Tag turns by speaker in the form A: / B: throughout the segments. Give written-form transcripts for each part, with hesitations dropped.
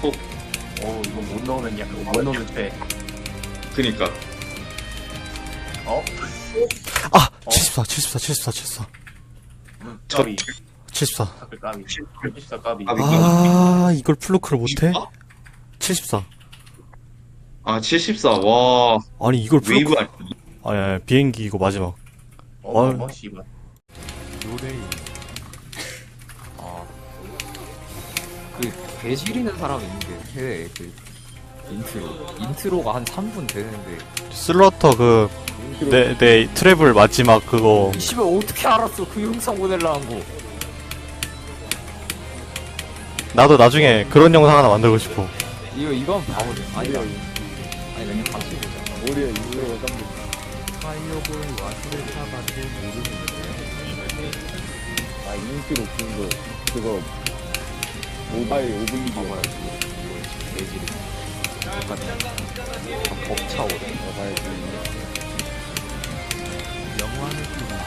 A: 이거 못 넣으면 약간 못 넣으면 돼.
B: 그니까.
C: 아! 74.
A: 까비.
C: 74.
A: 까비. 74 까비.
C: 아, 이걸 플로크를 못해? 74.
B: 아, 74. 와.
C: 아니, 이걸
B: 웨이브
C: 플로크.
B: 아니야.
C: 아니, 비행기 이거 마지막.
A: 씨발.
D: 요데이. 그 배지리는 사람이 있는데 해외에 그 인트로가 한 3분 되는데
C: 슬러터 내 트래블 마지막 그거.
D: 이 씨발 어떻게 알았어 그 영상 보내려는 거.
C: 나도 나중에 그런 영상 하나 만들고 싶어.
D: 이거 한번 봐보자. 아니다. 아니 그냥 같이 보자.
E: 머리에 인트로가 깜짝.
D: 파이어볼 와스레타밖에 모르는데.
E: 아 인트로 긴 거. 그거 모바일 오블리비언.
D: 봐봐야지. 배지리. 똑같아. 벅차오래.
E: 봐야지.
D: 영화 느낌이야.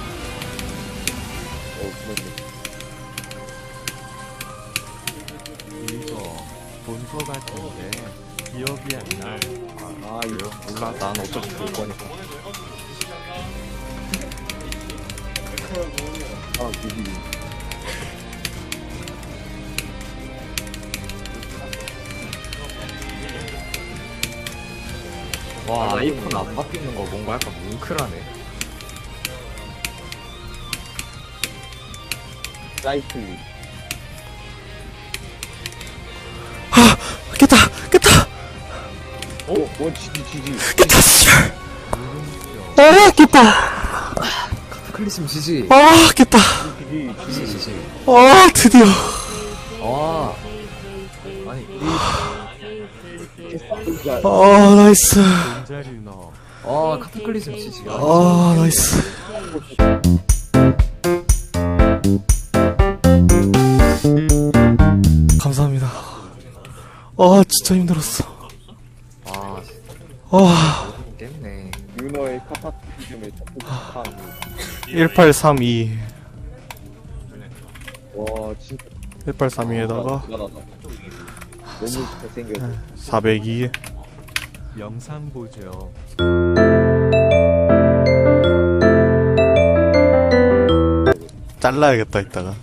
E: 그렇네.
D: 이거 본 거 같은데 기억이 안 나.
E: 이거
D: 몰라. 난 어차피 볼 거니까.
E: 그지.
D: 와 아이폰 안 바뀌는 거 뭔가 약간 뭉클하네.
E: 사이클링.
C: 깼다!
E: 지지.
C: 깼다, 씨발! 아, 깼다!
D: 클리즘 지지.
C: 아, 깼다!
D: 지지.
C: 아, 드디어!
D: 아 아니
C: 아, 나이스.
D: 카타클리즘 지지.
C: 아, 나이스. 감사합니다. 아, 진짜 힘들었어.
D: 깼네.
E: 유너의 카타티즘을 탑
C: 1832.
E: 와 진짜
C: 1832에다가
E: 대단하다. 너무 잘생겼어.
C: 402.
D: 영상 보죠.
C: 잘라야겠다, 이따가.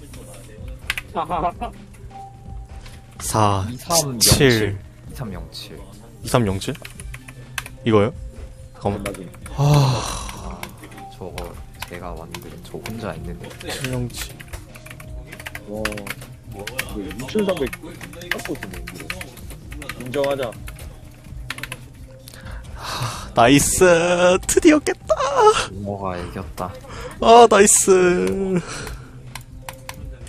C: 4, 7,
D: 2307.
C: 2307? 이거요? 잠깐만.
E: 맞아.
D: 저거 제가 왔는데 저 혼자 있는데
C: 707.
E: 와. 뭐 6,300 깎고 있네 이거. 인정하자.
C: 나이스. 드디어 깼다.
D: 뭐가 이겼다.
C: 아, 나이스.